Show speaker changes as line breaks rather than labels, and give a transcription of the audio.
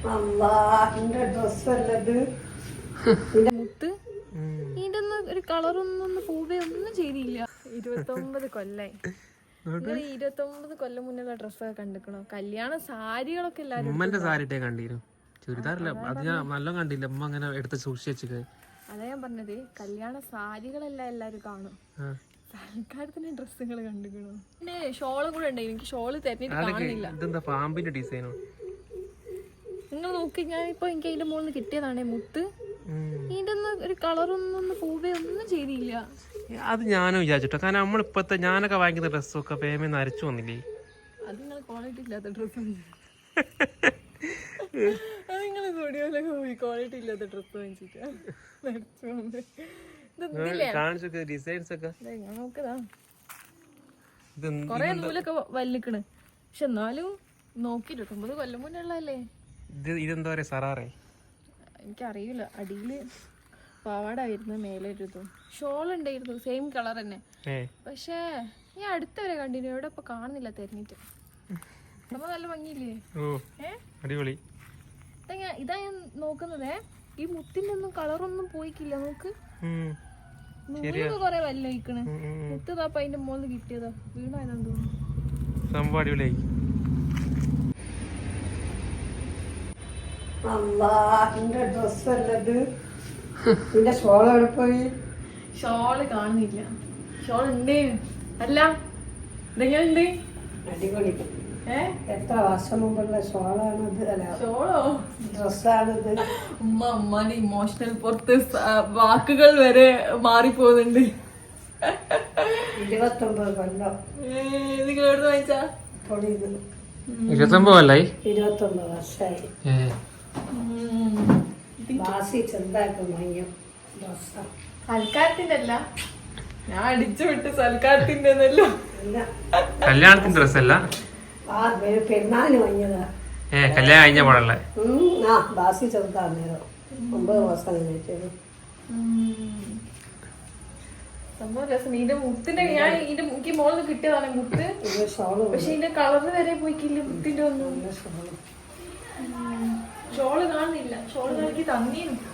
മുത്ത് ഇതിന്റെ ഒന്നും ഒരു കളറൊന്നും പൂവേ ഒന്നും ചെയ്തില്ല. 29 കൊല്ലായി. 29 കൊല്ലം മുന്നുള്ള ഡ്രസ്സൊക്കെ കണ്ടിക്കണോ? കല്യാണ സാരികളൊക്കെ എല്ലാരും
ഉമ്മന്റെ സാരി കണ്ടിരുന്നു. ചുരിദാറില്ല, അത് ഞാൻ നല്ല കണ്ടില്ല. ഉമ്മ അങ്ങനെ എടുത്ത് സൂക്ഷിച്ചു.
അതാ ഞാൻ പറഞ്ഞത്, കല്യാണ സാരികളെല്ലാം എല്ലാരും കാണും. സൽക്കാരത്തിന് ഡ്രസ്സുകൾ കണ്ടിക്കണോ? പിന്നെ ഷോളും കൂടെ ഉണ്ട്. എനിക്ക് ഷോള് തെരഞ്ഞിട്ട് കാണുന്നില്ല.
ഇതെന്താ പാമ്പിന്റെ ഡിസൈനോ?
നിങ്ങൾ നോക്കി, ഞാനിപ്പോ എനിക്ക് അതിന്റെ മുകളിൽ കിട്ടിയതാണേ മുത്ത്. ഇതിന്റെ ഒന്നും ഒരു കളറൊന്നും പൂവേ ഒന്നും ചെയ്തില്ല.
അത് ഞാനും വിചാരിച്ചിട്ടോ. കാരണം നമ്മളിപ്പത്തെ ഞാനൊക്കെ വാങ്ങിക്കുന്ന ഡ്രസ്സൊക്കെ പേമെന്ന് അരച്ചു വന്നില്ലേ?
അത് നിങ്ങൾ ക്വാളിറ്റി ഇല്ലാത്ത ഡ്രസ്സ്. അത് നിങ്ങൾ സ്റ്റുഡിയോയിലൊക്കെ പോയി ക്വാളിറ്റി ഇല്ലാത്ത ഡ്രസ്സ് വാങ്ങിച്ചിട്ടാ നോക്കതാ. കൊറേ നൂലൊക്കെ വല്ലിക്കണ്. പക്ഷെ എന്നാലും നോക്കി 29 കൊല്ലം മുന്നേ ഉള്ളതല്ലേ.
ഇതെന്താ പറയാ, സറാറേ?
എനിക്കറിയില്ല. അടിയില് പാവാടായിരുന്നു, മേലെ ഇരുന്നു ഷോൾ ഉണ്ടായിരുന്നു, സെയിം കളർ തന്നെ. പക്ഷേ ഞാൻ അടുത്തവരെ കണ്ടിന്യൂ, എവിടെ ഇപ്പൊ കാണുന്നില്ല തെരഞ്ഞിട്ട്. നമ്മ നല്ല ഭംഗിയില്ലേ?
അടിപൊളി.
ഇതാ ഞാൻ നോക്കുന്നതേ. ഈ മുത്തിന്റെ ഒന്നും കളറൊന്നും പോയിക്കില്ല. നോക്ക്, നൂലൊക്കെ കൊറേ വല്ല വയ്ക്കണ്. മുത്തതാപ്പ അതിന്റെ മുകളിൽ കിട്ടിയതാ, വീണായതാന്ന് തോന്നുന്നു.
അടിപൊളിയായി.
ഷോള് കാണുന്നില്ല. ഷോൾ ഉണ്ട്. അല്ല ഇതെങ്ങനെയുണ്ട്?
അടിപൊളി. എത്ര വർഷം മുമ്പുള്ള ഷോളാണിത്?
ഷോളോ
ഡ്രസ്സാണിത്?
ഉമ്മാന്റെ ഇമോഷണൽ പുറത്ത് വാക്കുകൾ വരെ മാറിപ്പോകുന്നുണ്ട്.
29 കൊല്ലം.
നിങ്ങൾ എവിടെ വാങ്ങിച്ചാ?
29 കൊല്ലായി.
29 വർഷമായി. ബാസി ചെറുതാക്കും വാങ്ങിയ ഡ്രസ്സാ.
സൽക്കാരത്തിന്റെ അല്ല, ഞാൻ അടിച്ചു വിട്ട് സൽക്കാരത്തിന്റെ
കല്യാണത്തിന്റെ ഡ്രസ്സല്ല,
പെരുന്നാളിന് വാങ്ങിയതാ.
കല്യാണം കഴിഞ്ഞ പാടല്ലേ?
ബാസി ചെറുതാന്നേരോ 9 മാസം കഴിഞ്ഞിട്ട്.
സംഭവം രസം. ഇതിന്റെ മുത്തിന്റെ ഞാൻ എനിക്ക് മോളിൽ കിട്ടിയതാണ് മുത്ത്. പക്ഷെ ഇതിന്റെ കളറിന് വരെ പോയിക്കില്ല മുത്തിന്റെ ഒന്നും. ഷോള് കാണുന്നില്ല. ഷോള് എനിക്ക് തന്നീനും.